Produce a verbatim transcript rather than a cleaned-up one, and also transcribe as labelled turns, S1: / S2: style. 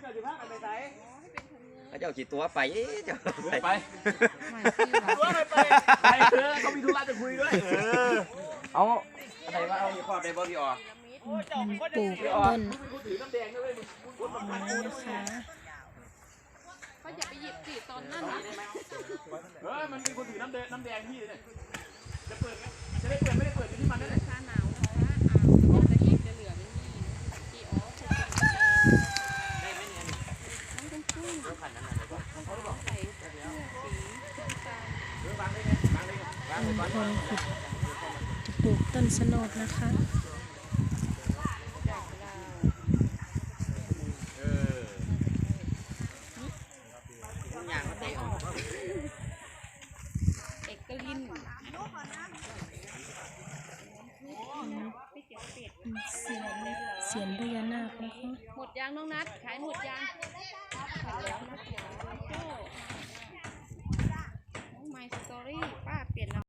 S1: เจ้ากี่ตัวไปเจ้า
S2: ไป
S1: ไป
S2: ตัวไปไปไปเถอะเขามีธุระจะคุยด้วยเออเอาอะไรวะเอามีความในบอดี้ออก
S3: ปลูกต้นไม้นะคะ
S4: เขาอย่าไปหยิบสิตอนนั้นนะ
S2: เออมันเป็นคนถือน้ำแดงน้ำแดงพี่เลยจะเปิดจะได้เปิดไม่ได้เปิดที่มันนั่นแหละ
S4: ชาหนาวนะคะอ้าวจะหยิบจะเหลือไม่มีกี่อ๋อคือได้ไหมเนี่ยน้องต้องชุ่มขันนั้นอะไรก็ใส่เสื้อสีน้ำตาล
S2: วางเลยวางเลยวางเลย
S3: ลุงพลขุดจะปลูกต้นสโนดนะคะ
S4: เอกลิน
S3: เสียนเสียนพญานาคนะคะ
S4: หมดยางน้องนัดขายหมดยางขายแล้วนะโจ้น้องไมสตอรี่ป้าเปลี่ยน